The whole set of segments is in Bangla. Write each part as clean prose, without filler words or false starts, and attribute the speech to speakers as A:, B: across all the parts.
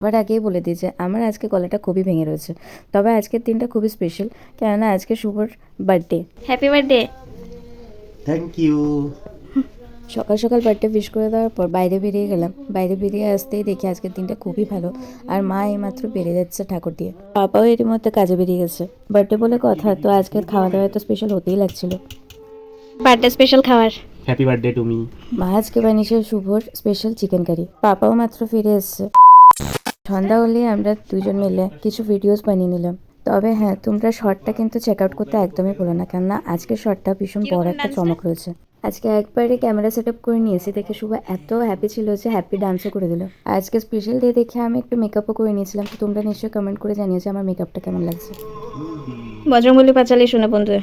A: আবার আগেই বলে দিই যে আমার আজকে গলাটা খুবই ভেঙে রয়েছে, তবে আজকের দিনটা খুবই স্পেশাল, কেননা আজকে শুভর birthday.
B: Happy birthday.
C: Thank you.
A: সকাল সকাল বার্থডে উইশ করে দেওয়ার পর বাইরে বেরিয়ে গেলাম। বাইরে বেরিয়ে আসতেই দেখি আজকের দিনটা খুবই ভালো, আর মা এইমাত্র বেরিয়ে যাচ্ছে ঠাকুর দিয়ে। পাপাও এর মধ্যে কাজে বেরিয়ে গেছে। বার্থডে বলে কথা, তো আজকের খাওয়া দাওয়া তো স্পেশাল হতেই লাগছিল।
B: বার্থডে স্পেশাল খাবার।
C: Happy birthday to me.
A: মা আজকে বানিয়েছে শুভর স্পেশাল চিকেন কারি। পাপাও মাত্র ফিরে এসছে। সন্ধ্যা হলেই আমরা দুজন মিলে কিছু ভিডিওস বানিয়ে নিলাম। তবে হ্যাঁ, তোমরা শর্টটা কিন্তু চেক আউট করতে একদমই ভুলো না, কেননা আজকের শর্টটা ভীষণ বড় একটা চমক রয়েছে। আজকে একবারে ক্যামেরা সেট আপ করে নিয়েছি দেখে শুভ এত হ্যাপি ছিল যে হ্যাপি ডান্সও করে দিল। আজকে স্পেশাল ডে দেখে আমি একটু মেকআপও করে নিয়েছিলাম, তো তোমরা নিশ্চয়ই কমেন্ট করে জানিয়েছো আমার মেকআপটা কেমন লাগছে।
B: বজরঙ্গলি পাঁচালি শুনে বন্ধু।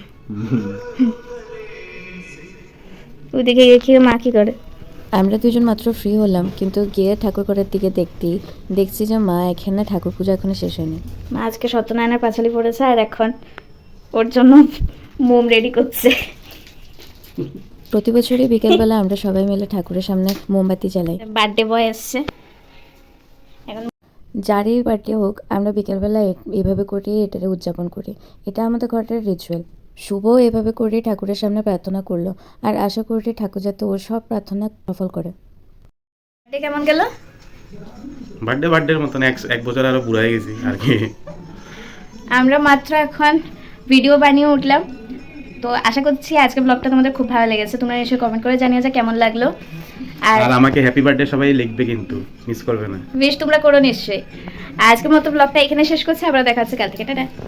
B: ওইদিকে গিয়ে কি মা কি করে?
A: আমরা দুজন মাত্র ফ্রি হলাম, কিন্তু গিয়ে ঠাকুর ঘরের দিকে দেখছি যে মা এখানে ঠাকুর পূজা এখনো শেষ হয়নি।
B: মা আজকে সত্যনারায়ণের পাঁচালি পড়েছে আর এখন ওর জন্য মোম রেডি করছে।
A: প্রতি বছরই বিকেলবেলা আমরা সবাই মিলে ঠাকুরের সামনে মোমবাতি জ্বালাই।
B: বার্থডে বয় এসছে।
A: যারই বার্থডে হোক, আমরা বিকেলবেলা এভাবে করেই এটাকে উদযাপন করি। এটা আমাদের ঘরের রিচুয়াল। শুভও এভাবে করেই ঠাকুরের সামনে প্রার্থনা করলো, আর আশা করি ঠাকুর যাতে ওর সব প্রার্থনা সফল করে।
B: বার্থডে কেমন গেল?
C: বার্থডের মতন এক বছর আরো বুড়া হয়ে গেছি আর কি।
B: আমরা মাত্র এখন ভিডিও বানিয়ে উঠলাম, তো আশা করছি আজকে ব্লগটা তোমাদের খুব ভালো লেগেছে। তোমরা নিশ্চয়ই কমেন্ট করে জানিয়ে যে কেমন লাগলো। আর
C: আর আমাকে হ্যাপি বার্থডে সবাই লিখবে, কিন্তু মিস করবে না।
B: বেশ তোমরা করো নিশ্চয়ই। আজকের মতো ব্লগটা এখানে শেষ করছি, আবার দেখা হচ্ছে কাল থেকে। টাটা।